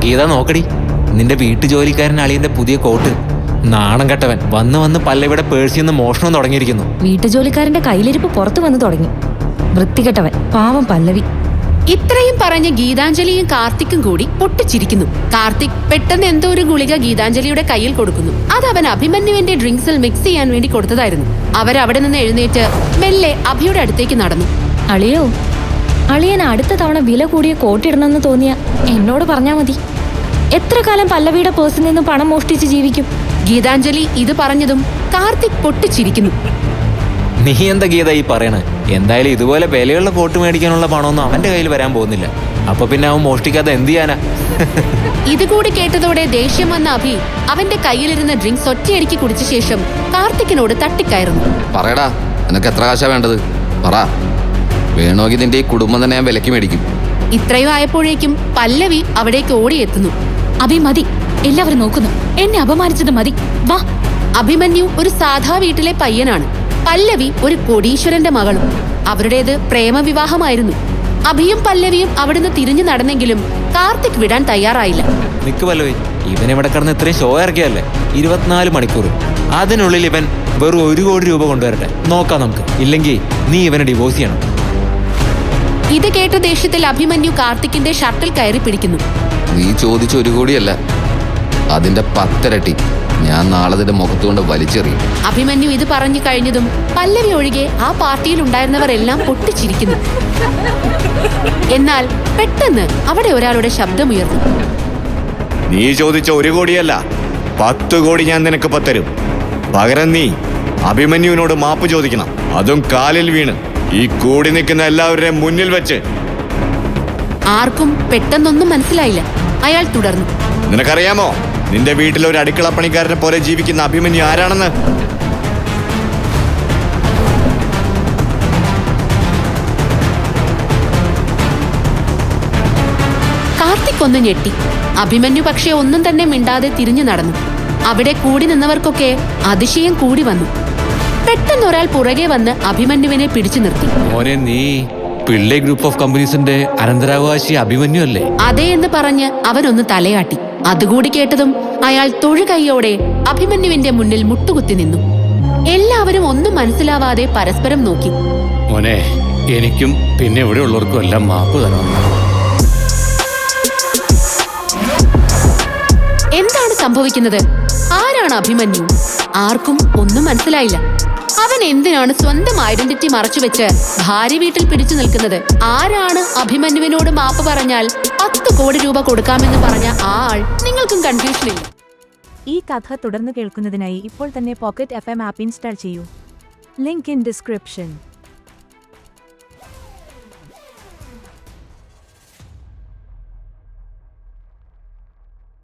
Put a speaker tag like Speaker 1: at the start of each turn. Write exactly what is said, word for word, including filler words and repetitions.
Speaker 1: ഗീത നോക്കടി, നിന്റെ വീട്ടു ജോലിക്കാരൻ അളിയന്റെ പുതിയ കോട്ട്. നാണം കെട്ടവൻ വന്ന് വന്ന് പല്ലവിയുടെ പേഴ്സിൽ നിന്ന് മോഷണം തുടങ്ങിയിരിക്കുന്നു.
Speaker 2: വീട്ടുജോലിക്കാരന്റെ കയ്യിലിരിപ്പ് പുറത്തു വന്ന് തുടങ്ങി. വൃത്തികെട്ടവൻ, പാവം പല്ലവി.
Speaker 3: ഇത്രയും പറഞ്ഞ് ഗീതാഞ്ജലിയും കാർത്തിക്കും കൂടി പൊട്ടിച്ചിരിക്കുന്നു. കാർത്തിക് പെട്ടെന്ന് എന്തോ ഒരു ഗുളിക ഗീതാഞ്ജലിയുടെ കയ്യിൽ കൊടുക്കുന്നു. അത് അവൻ അഭിമന്യുവിന്റെ ഡ്രിങ്ക്സിൽ മിക്സ് ചെയ്യാൻ വേണ്ടി കൊടുത്തതായിരുന്നു. അവരവിടെ നിന്ന് എഴുന്നേറ്റ് മെല്ലെ അഭിയുടെ അടുത്തേക്ക് നടന്നു.
Speaker 2: അളിയോ, അളിയൻ അടുത്ത തവണ വില കൂടിയ കോട്ടിടണമെന്ന് തോന്നിയ എന്നോട് പറഞ്ഞാ മതി. എത്ര കാലം പല്ലവിയുടെ പേഴ്സിൽ നിന്ന് പണം മോഷ്ടിച്ച് ജീവിക്കും?
Speaker 3: ഗീതാഞ്ജലി ഇത് പറഞ്ഞതും കാർത്തിക് പൊട്ടിച്ചിരിക്കുന്നു.
Speaker 1: നീ എന്താ ഗീത ഈ പറയണേ? എന്തായാലും ഇതുപോലെ വിലയുള്ള കോട്ട് മേടിക്കാനുള്ള പണമൊന്നും അവന്റെ കയ്യിൽ വരാൻ പോകുന്നില്ല. അപ്പൊ പിന്നെ അവൻ മോഷ്ടിക്കാതെ എന്ത് ചെയ്യാനാ?
Speaker 3: ഇതുകൂടി കേട്ടതോടെ ദേഷ്യം വന്ന അഭി അവന്റെ കയ്യിലിരുന്ന ഡ്രിങ്ക്സ് ഒറ്റയടിക്ക് കുടിച്ച ശേഷം കാർത്തിക്കിനോട് തട്ടിക്കയറുന്നു.
Speaker 4: പറയടാ, നിനക്ക് എത്ര കാശാ വേണ്ടത്? പറ, വേണമെങ്കിൽ നിന്റെ ഈ കുടുംബം തന്നെ ഞാൻ വിലക്ക് മേടിക്കും.
Speaker 3: ഇത്രയും ആയപ്പോഴേക്കും പല്ലവി അവിടേക്ക് ഓടിയെത്തുന്നു.
Speaker 2: അഭി മതി, എല്ലാവരും നോക്കുന്നു. എന്നെ അപമാനിച്ചത് മതി, വാ.
Speaker 3: അഭിമന്യു ഒരു സാധാ വീട്ടിലെ പയ്യനാണ്. പല്ലവി ഒരു കോടീശ്വരന്റെ മകളും. അവരുടേത് പ്രേമവിവാഹമായിരുന്നു. അഭിയും പല്ലവിയും അവിടുന്ന് തിരിഞ്ഞു നടന്നെങ്കിലും കാർത്തിക് വിടാൻ തയ്യാറായില്ല.
Speaker 1: നിക്ക് പല്ലവി, ഇവൻ ഇവിടെ കിടന്ന് ഇത്രയും ഷോ ഇറക്കിയല്ലേ? ഇരുപത്തിനാല് മണിക്കൂർ. അതിനുള്ളിൽ ഇവൻ വെറും ഒരു കോടി രൂപ കൊണ്ടുവരട്ടെ, നോക്കാം നമുക്ക്. ഇല്ലെങ്കിൽ നീ ഇവനെ ഡിവോഴ്സ് ചെയ്യണം.
Speaker 3: ഇത് കേട്ട ദേഷ്യത്തിൽ അഭിമന്യു കാർത്തിക്കിന്റെ ഷർട്ടിൽ കയറി പിടിക്കുന്നു.
Speaker 4: നീ ചോദിച്ച ഒരു കോടിയല്ല, അതിന്റെ പത്തിരട്ടി ഞാൻ നാളെ നിന്റെ മുഖത്തുകൊണ്ട് വലിച്ചെറിയും.
Speaker 3: അഭിമന്യു ഇത് പറഞ്ഞു കഴിഞ്ഞതും പല്ലവി ഒഴികെ ആ പാർട്ടിയിൽ ഉണ്ടായിരുന്നവരെല്ലാം പൊട്ടിച്ചിരിക്കുന്നു. എന്നാൽ പെട്ടെന്ന് അവിടെ ഒരാളുടെ ശബ്ദമുയർന്നു.
Speaker 5: നീ ചോദിച്ച ഒരു കോടിയല്ല, പത്ത് കോടി ഞാൻ നിനക്ക് പത്തരും. പകരം നീ അഭിമന്യുവിനോട് മാപ്പ് ചോദിക്കണം, അതും കാലിൽ വീണ്, ഈ കൂടി നിൽക്കുന്ന എല്ലാവരുടെയും മുന്നിൽ വെച്ച്.
Speaker 3: ആർക്കും പെട്ടെന്നൊന്നും മനസ്സിലായില്ല. അയാൾ തുടർന്നു.
Speaker 5: നിനക്കറിയാമോ നിന്റെ വീട്ടിൽ ഒരു അടുക്കള പണിക്കാരനെ പോലെ ജീവിക്കുന്ന അഭിമന്യു ആരാണെന്ന്?
Speaker 3: കാർത്തിക് ഒന്ന് ഞെട്ടി. അഭിമന്യു പക്ഷെ ഒന്നും തന്നെ മിണ്ടാതെ തിരിഞ്ഞു നടന്നു. അവിടെ കൂടി നിന്നവർക്കൊക്കെ അതിശയം കൂടി വന്നു. പെട്ടെന്ന് ഒരാൾ പുറകെ വന്ന് അഭിമന്യുവിനെ പിടിച്ചു നിർത്തി.
Speaker 1: മോനെ, നീ പിള്ളേ ഗ്രൂപ്പ് ഓഫ് കമ്പനീസിന്റെ അനന്തരാവകാശി അഭിമന്യു അല്ലേ?
Speaker 3: അതേ എന്ന് പറഞ്ഞ് അവനൊന്ന് തലയാട്ടി. അതുകൂടി കേട്ടതും അയാൾ തൊഴുകൈയോടെ അഭിമന്യുവിന്റെ മുന്നിൽ മുട്ടുകുത്തി നിന്നു. എല്ലാവരും ഒന്നും മനസ്സിലാവാതെ പരസ്പരം നോക്കി.
Speaker 6: മോനെ, എനിക്കും പിന്നെ ഇവിടെ ഉള്ളവർക്കും എല്ലാം മാപ്പ് തരണം.
Speaker 3: എന്താണ് സംഭവിക്കുന്നത്? ആരാണ് അഭിമന്യു? ആർക്കും ഒന്നും മനസ്സിലായില്ല. അവൻ എന്തിനാണ് സ്വന്തം ഐഡന്റിറ്റി മറച്ചുവെച്ച് ഭാര്യ വീട്ടിൽ പിടിച്ചു നിൽക്കുന്നത്? ആരാണ് അഭിമന്യുവിനോട് മാപ്പ് പറഞ്ഞാൽ പത്ത് കോടി രൂപ കൊടുക്കാമെന്ന് പറഞ്ഞ ആ ആൾ? നിങ്ങൾക്കും കൺഫ്യൂഷൻ ഇല്ല?
Speaker 7: ഈ കഥ തുടർന്ന് കേൾക്കുന്നതിനായി ഇപ്പോൾ തന്നെ പോക്കറ്റ് എഫ് എം ആപ്പ് ഇൻസ്റ്റാൾ ചെയ്യൂ. Link in description.